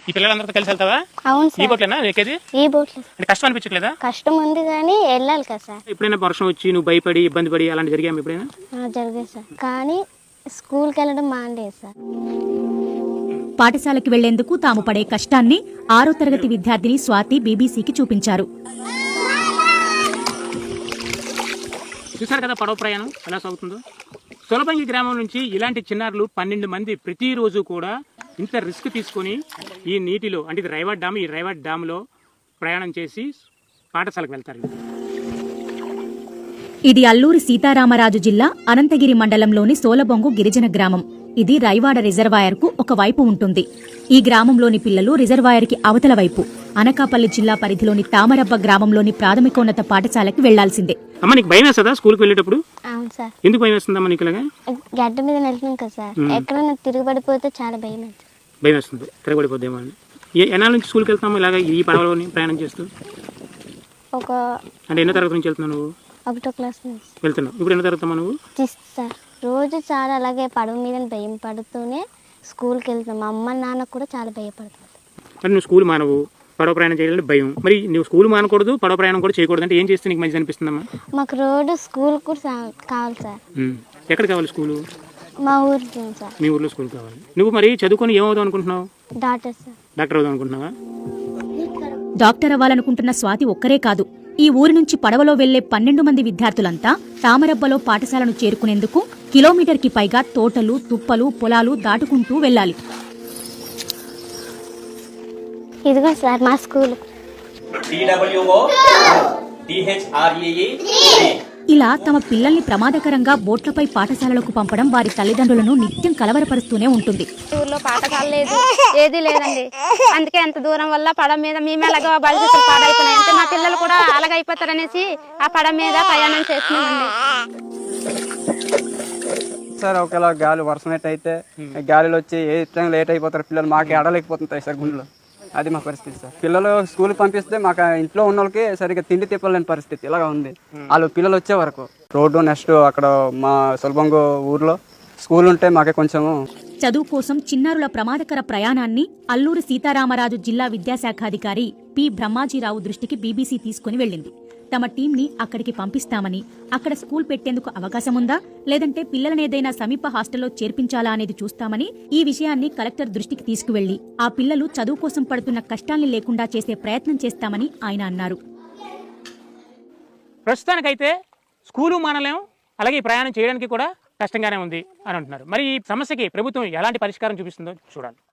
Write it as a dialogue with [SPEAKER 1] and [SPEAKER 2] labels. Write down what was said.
[SPEAKER 1] ఈ పిల్లలందరితో కలిసి వెళ్తావా?
[SPEAKER 2] అవును
[SPEAKER 1] ఈ
[SPEAKER 2] సార్.
[SPEAKER 1] బోట్లేనా ఎక్కేది?
[SPEAKER 2] ఈ బోట్లు
[SPEAKER 1] అంటే కష్టం అనిపించట్లేదా?
[SPEAKER 2] కష్టం ఉంది కానీ వెళ్ళాలి కదా సార్.
[SPEAKER 1] ఎప్పుడైనా వర్షం వచ్చి నువ్వు భయపడి ఇబ్బంది పడి అలాంటి జరిగాము ఎప్పుడైనా?
[SPEAKER 2] జరిగేది సార్, కానీ స్కూల్కి వెళ్ళడం మానేది సార్.
[SPEAKER 3] పాఠశాలకు వెళ్లేందుకు తాము పడే కష్టాన్ని 6వ తరగతి విద్యార్థిని స్వాతి బీబీసీకి చూపించారు.
[SPEAKER 1] చూసారు కదా పడవ ప్రయాణం ఎలా సాగుతుందో. సొలబంగి గ్రామం నుంచి ఇలాంటి చిన్నారులు 12 మంది ప్రతిరోజు కూడా ఇంత రిస్క్ తీసుకొని ఈ నీటిలో, అంటే ఇది రైవాడ్ డ్యామ్, ఈ రైవాడ్ డ్యామ్లో ప్రయాణం చేసి పాఠశాలకు వెళ్తారు.
[SPEAKER 3] ఇది అల్లూరి సీతారామరాజు జిల్లా అనంతగిరి మండలంలోని సోలబొంగు గిరిజన గ్రామం. ఇది రైవాడ రిజర్వాయర్కు ఒక వైపు ఉంటుంది. ఈ గ్రామంలోని పిల్లలు రిజర్వాయర్కి అవతల వైపు అనకాపల్లి జిల్లా పరిధిలోని తామరబ్బ గ్రామంలోని ప్రాథమికోన్నత పాఠశాలకు వెళ్లాల్సిందే.
[SPEAKER 1] అమ్మ నీకు భయం వేస్తుందా స్కూల్కి వెళ్ళేటప్పుడు?
[SPEAKER 2] అవును సార్.
[SPEAKER 1] ఎందుకు భయం వేస్తుందమ్మా నీకు? ఇలాగా
[SPEAKER 2] గడ్డ మీద వెళ్తున్నాం కదా సార్, ఎక్కడైనా తిరగబడిపోతే చాలా భయం అవుతుంది.
[SPEAKER 1] భయం వేస్తుంది, తిరగబడిపోద్దేమో అని. ఎన్నాళ్ళ నుంచి స్కూల్కి వెళ్తాము ఇలాగ ఈ పడవలోని ప్రయాణం చేస్తూ? అంటే ఎన్నో తరగతి నుంచి వెళ్తున్నావు నువ్వు?
[SPEAKER 2] 1వ క్లాస్ నుంచి
[SPEAKER 1] వెళ్తున్నావు. ఇప్పుడు ఎన్నో తరగతి నువ్వు?
[SPEAKER 2] సార్. రోజు చాలా అలాగే పడవ మీద భయం పడుతూనే స్కూల్కి వెళ్తాం. మా అమ్మ నాన్న కూడా చాలా భయపడుతుంది.
[SPEAKER 1] అంటే నువ్వు స్కూల్ మానవు, పడవ ప్రయాణం చేయాలంటే భయం. మరి నువ్వు స్కూల్ మానకూడదు, పడవ ప్రయాణం కూడా చేయకూడదు అంటే ఏం చేస్తే నీకు మంచిది అనిపిస్తుందమ్మా?
[SPEAKER 2] మాకు రోడ్డు స్కూల్ కూడా కావాలి సార్.
[SPEAKER 1] ఎక్కడ కావాలి స్కూలు?
[SPEAKER 2] మా ఊరు సార్.
[SPEAKER 1] మీ ఊర్లో స్కూల్ కావాలి. నువ్వు మరి చదువుకొని ఏమవుదాం అనుకుంటున్నావు?
[SPEAKER 2] Doctor sir.
[SPEAKER 1] డాక్టర్ అవుదాం అనుకుంటున్నావా?
[SPEAKER 3] డాక్టర్ అవ్వాలనుకుంటున్న స్వాతి ఒక్కరే కాదు. ఈ ఊరి నుంచి పడవలో వెళ్లే 12 మంది విద్యార్థులంతా తామరబ్బలో పాఠశాలను చేరుకునేందుకు కిలోమీటర్కి పైగా తోటలు, తుప్పలు, పొలాలు దాటుకుంటూ వెళ్లాలి.
[SPEAKER 2] ఇదిగో సార్ మా స్కూల్.
[SPEAKER 3] ఇలా తమ పిల్లల్ని ప్రమాదకరంగా బోట్లపై పాఠశాలలకు పంపడం వారి తల్లిదండ్రులను నిత్యం కలవరపరుస్తూనే ఉంటుంది.
[SPEAKER 4] ఊర్లో పాఠశాల లేదు, ఏది లేదండి. అందుకే ఎంత దూరం వల్ల పడవ మీద మేము ఎలాగో భవిష్యత్తులు పాడైపోయినాయి అంటే మా పిల్లలు కూడా అలాగైపోతారనేసి ఆ పడవ మీద ప్రయాణం చేస్తున్నామండి.
[SPEAKER 5] సార్ ఒకవేళ గాలి వర్షం అయితే గాలిలో వచ్చి ఏ టైం లేట్ అయిపోతారు పిల్లలు, మాకు ఆడలేకపోతుంటాయి సార్ గుండెలో. అది మా పరిస్థితి సార్. పిల్లలు స్కూల్ పంపిస్తే మాకు ఇంట్లో ఉన్న వాళ్ళకి సరిగ్గా తిండి తిప్పలేని పరిస్థితి ఇలాగా ఉంది. వాళ్ళు పిల్లలు వచ్చే వరకు రోడ్డు నెక్స్ట్ అక్కడ మా సొలబొంగు ఊర్లో స్కూల్ ఉంటే మాకే కొంచెము.
[SPEAKER 3] చదువు కోసం చిన్నారుల ప్రమాదకర ప్రయాణాన్ని అల్లూరి సీతారామరాజు జిల్లా విద్యాశాఖాధికారి పి బ్రహ్మాజీరావు దృష్టికి బీబీసీ తీసుకుని వెళ్లింది. తమ టీంని అక్కడికి పంపిస్తామని, అక్కడ స్కూల్ పెట్టేందుకు అవకాశముందా, లేదంటే పిల్లలనేదైనా సమీప హాస్టల్లో చేర్పించాలా అనేది చూస్తామని, ఈ విషయాన్ని కలెక్టర్ దృష్టికి తీసుకువెళ్లి ఆ పిల్లలు చదువు కోసం పడుతున్న కష్టాల్ని లేకుండా చేసే ప్రయత్నం చేస్తామని ఆయన అన్నారు.
[SPEAKER 1] ప్రస్తుతానికైతే స్కూలు మానలేం, అలాగే ఈ ప్రయాణం చేయడానికి కూడా కష్టంగానే ఉంది అని అంటున్నారు. మరి ఈ సమస్యకి ప్రభుత్వం ఎలాంటి పరిష్కారం చూపిస్తుందో చూడాలి.